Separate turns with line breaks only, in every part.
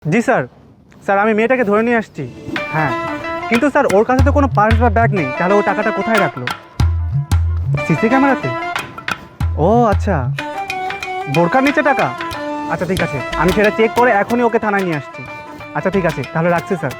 জি sir. Sir আমি মেয়েটাকে ধরে নিয়ে আসছি। হ্যাঁ, কিন্তু স্যার ওর কাছে তো কোনো পার্স বা ব্যাগ নেই, তাহলে ও টাকাটা কোথায় রাখলো? সিসি ক্যামেরাতে? ও আচ্ছা, বোরকার নিচে টাকা। আচ্ছা ঠিক আছে, আমি সেটা চেক করে এখনই ওকে থানায় নিয়ে আসছি। আচ্ছা ঠিক আছে, তাহলে রাখছি স্যার।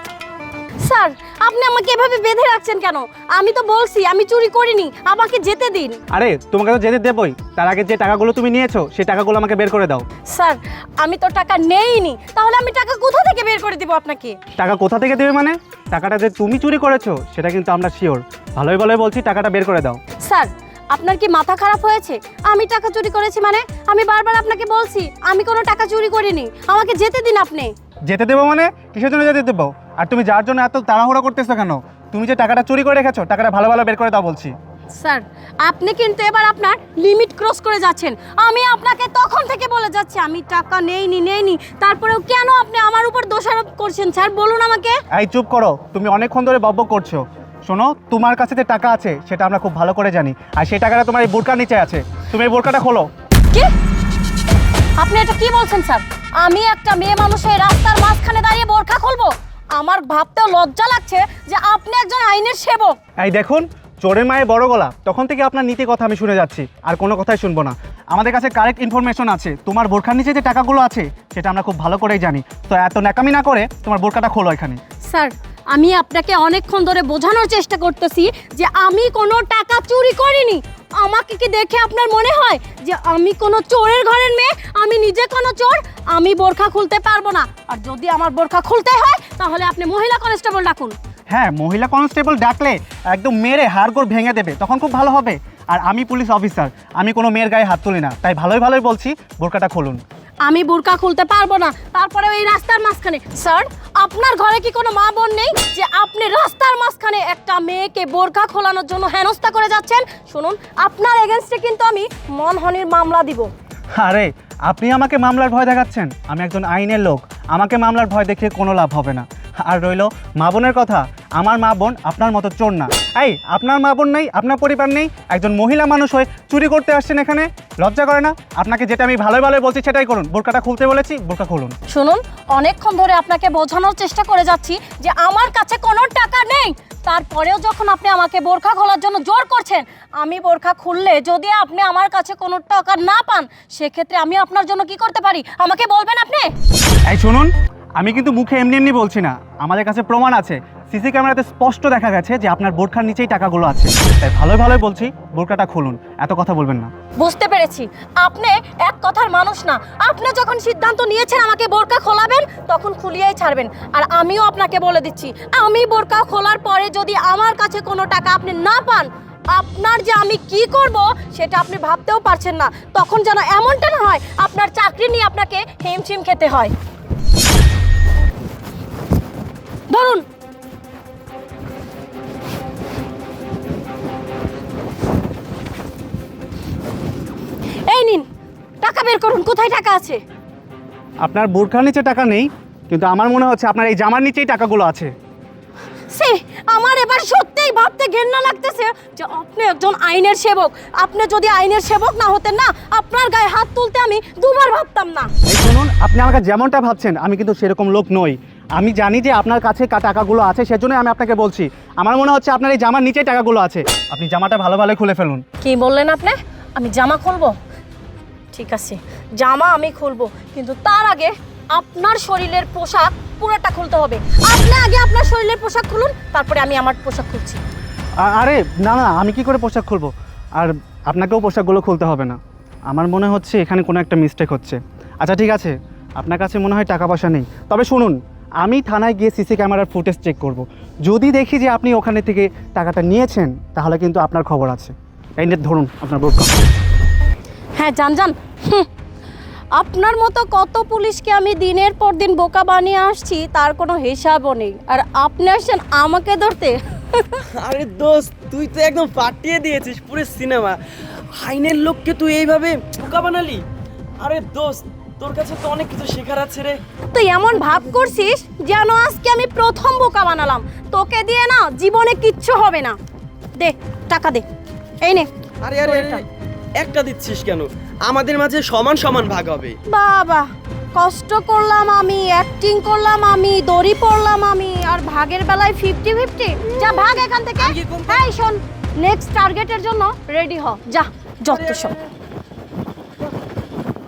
স্যার, আপনি আমাকে এভাবে বেঁধে রাখছেন কেন? আমি তো বলছি আমি চুরি করিনি, আমাকে যেতে দিন।
আরে তোমাকে তো যেতে দেবই, তার আগে যে টাকাগুলো তুমি নিয়েছো সেই টাকাগুলো আমাকে বের করে দাও।
স্যার, আমি তো টাকা নেইনি, তাহলে আমি টাকা কোথা থেকে বের করে দিব আপনাকে?
টাকা কোথা থেকে দেবে মানে? টাকাটা যে তুমি চুরি করেছো সেটা কিন্তু আমরা শিওর। ভালোই ভালোই বলছি, টাকাটা বের করে দাও।
স্যার, আপনার কি মাথা খারাপ হয়েছে? আমি টাকা চুরি করেছি মানে? আমি বারবার আপনাকে বলছি আমি কোনো টাকা চুরি করিনি, আমাকে যেতে দিন আপনি।
যেতে দেবো মানে? কিসের জন্য যেতে দেবো? আর তুমি যার জন্য এত তাড়াহুড়ো করতেছো কেন? তুমি যে টাকাটা চুরি করে রেখেছো, টাকাটা ভালো ভালো বের করে দাও বলছি।
স্যার, আপনি কিন্তু এবার আপনার লিমিট ক্রস করে যাচ্ছেন। আমি আপনাকে তখন থেকে বলে যাচ্ছি আমি টাকা নেইনি, তারপরেও কেন আপনি আমার উপর দোষারোপ করছেন স্যার? বলুন আমাকে।
এই চুপ করো, তুমি অনেকক্ষণ ধরে বকবক করছো। শোনো, তোমার কাছে যে টাকা আছে সেটা আমরা খুব ভালো করে জানি, আর সেই টাকাটা তোমার এই বোরকার নিচে আছে। তুমি এই বোরকাটা খোলো।
কি? আপনি এটা কি বলছেন স্যার? আমি একটা মেয়ে মানুষের রাস্তার মাঝখানে দাঁড়িয়ে বোরখা খুলবো? আমার ভাবতেও লজ্জা লাগছে যে আপনি একজন আইনের সেবক।
এই দেখুন, চোরের মায়ের বড় গলা, তখন থেকে আপনার নীতি কথা আমি শুনে যাচ্ছি, আর কোনো কথাই শুনবো না। আমাদের কাছে কারেক্ট ইনফরমেশন আছে, তোমার বোরখার নিচে যে টাকাগুলো আছে সেটা আমরা খুব ভালো করেই জানি। তো এত ন্যাকামি না করে তোমার বোরকাটা খোলো এখানে।
স্যার, আমি আপনাকে অনেকক্ষণ ধরে বোঝানোর চেষ্টা করতেছি যে আমি কোনো টাকা চুরি করিনি। আমাকে কি দেখে আপনার মনে হয় যে আমি কোনো চোরের ঘরের মেয়ে? আমি নিজে কোনো চোর? আমি বোরখা খুলতে পারবো না, আর যদি আমার বোরখা খুলতে হয় তাহলে আপনি মহিলা কনস্টেবল ডাকুন।
হ্যাঁ, মহিলা কনস্টেবল ডাকলে একদম মেরে হাড়গোড় ভেঙে দেবে, তখন খুব ভালো হবে। আর আমি পুলিশ অফিসার, আমি কোনো মেয়ের গায়ে হাত তুলি না, তাই ভালোই ভালোই বলছি বোরকাটা খুলুন।
আমি বোরকা খুলতে পারবো না, তারপরে এই রাস্তার মাঝখানে। স্যার, আপনার ঘরে কি কোনো মা বোন নেই যে আপনি রাস্তার মাঝখানে একটা মেয়েকে বোরকা খোলানোর জন্য হেনস্থা করে যাচ্ছেন? শুনুন, আপনার এগেনস্টে কিন্তু আমি মানহানির মামলা দিব।
আরে আপনি আমাকে মামলার ভয় দেখাচ্ছেন? আমি একজন আইনের লোক, আমাকে মামলার ভয় দেখিয়ে কোনো লাভ হবে না। আর রইলো মা বোনের কথা, আমার মা বোন আপনার মতো চোর না। এই আপনার মা বোন নেই, আপনার পরিবার নেই, একজন মহিলা মানুষ হয়ে চুরি করতে আসছেন এখানে? লজ্জা করে না? আপনাকে যেটা আমি ভালোই ভালোই বলছি সেটাই করুন। বোরকাটা খুলতে বলেছি, বোরকা খুলুন।
শুনুন, অনেকক্ষণ ধরে আপনাকে বোঝানোর চেষ্টা করে যাচ্ছি যে আমার কাছে কোনো টাকা নেই, তারপরেও যখন আপনি আমাকে বোরখা খোলার জন্য জোর করছেন, আমি বোরখা খুললে যদি আপনি আমার কাছে কোনো টাকা না পান, সেক্ষেত্রে আমি আপনার জন্য কি করতে পারি আমাকে বলবেন আপনি?
এই শুনুন, আমি কিন্তু মুখে এমনি এমনি বলছি না, আমাদের কাছে প্রমাণ আছে। সিসি ক্যামেরাতে স্পষ্ট দেখা গেছে যে আপনার বোরখার নিচেই টাকাগুলো আছে। তাই ভালোই ভালোই বলছি, বোরকাটা খুলুন, এত কথা বলবেন না।
বুঝতে পেরেছি, আপনি এক কথার মানুষ না। আপনি যখন সিদ্ধান্ত নিয়েছেন আমাকে বোরকা খোলাবেন, তখন খুলিয়েই ছাড়বেন। আর আমিও আপনাকে বলে দিচ্ছি, আমি বোরকা খোলার পরে যদি আমার কাছে কোনো টাকা আপনি না পান, আপনার যে আমি কি করব সেটা আপনি ভাবতেও পারছেন না। তখন যেন এমনটা না হয় আপনার চাকরি নিয়ে আপনাকে হিমশিম খেতে হয়। ধরুন। এই নিন, টাকা বের করুন। কোথায় টাকা আছে?
আপনার বোরখার নিচে টাকা নেই, কিন্তু আমার মনে হচ্ছে আপনার এই জামার নিচেই টাকাগুলো আছে।
সে আমার এবার সত্যিই ভাবতে ঘেন্না লাগতেছে যে আপনি একজন আইনের সেবক। আপনি যদি আইনের সেবক না হতেন না, আপনার গায়ে হাত তুলতে আমি দুবার ভাবতাম না।
এই শুনুন, আপনি আমাকে যেমনটা ভাবছেন আমি কিন্তু সেরকম লোক নই। আমি জানি যে আপনার কাছে টাকাগুলো আছে, সেজন্যই আমি আপনাকে বলছি। আমার মনে হচ্ছে আপনার এই জামার নিচেই টাকাগুলো আছে। আপনি জামাটা ভালো ভালো খুলে ফেলুন।
কি বললেন আপনি? আমি জামা খুলবো? ঠিক আছে, জামা আমি খুলবো, কিন্তু তার আগে আপনার শরীরের পোশাক পুরোটা খুলতে হবে। আপনি আগে আপনার শরীরের পোশাক খুলুন, তারপরে আমি আমার পোশাক খুলছি।
আরে না না, আমি কি করে পোশাক খুলবো? আর আপনাকেও পোশাকগুলো খুলতে হবে না। আমার মনে হচ্ছে এখানে কোনো একটা মিস্টেক হচ্ছে। আচ্ছা ঠিক আছে, আপনার কাছে মনে হয় টাকা পয়সা নেই। তবে শুনুন, আমি থানায় গিয়ে সিসি ক্যামেরার ফুটেজ চেক করব। যদি দেখি যে আপনি ওখানে থেকে টাকাটা নিয়েছেন, তাহলে কিন্তু আপনার খবর আছে। এই নিয়ে ধরুন আপনার বোরকা।
হ্যাঁ, যান। আপনার মতো কত পুলিশকে আমি দিনের পর দিন বোকা বানিয়ে আসছি, তার কোনো হিসাবও নেই। আর আপনি আসছেন আমাকে ধরতে?
আরে দোস্ত, তুই তো একদম ফাটিয়ে দিয়েছিস পুরো সিনেমা। আইনের লোককে তুই এইভাবে বোকা বানালি। আরে দোস্ত, তোর কাছে তো অনেক কিছু শেখার আছে রে।
তুই এমন ভাব করছিস যেন আজকে আমি প্রথম বোকা বানালাম। তোকে দিয়ে না জীবনে কিচ্ছু হবে না। দে টাকা দে। এই নে।
আরে আরে আরে, একটা দিচ্ছিস কেন? আমাদের মাঝে সমান সমান ভাগ হবে।
বাবা, কষ্ট করলাম আমি, অ্যাক্টিং করলাম আমি, দড়ি পড়লাম আমি, আর ভাগের বেলায় 50-50। যা ভাগ এখান থেকে।
আমি কি কম-
এই শোন, নেক্সট টার্গেটের জন্য রেডি হ, যা যত সব।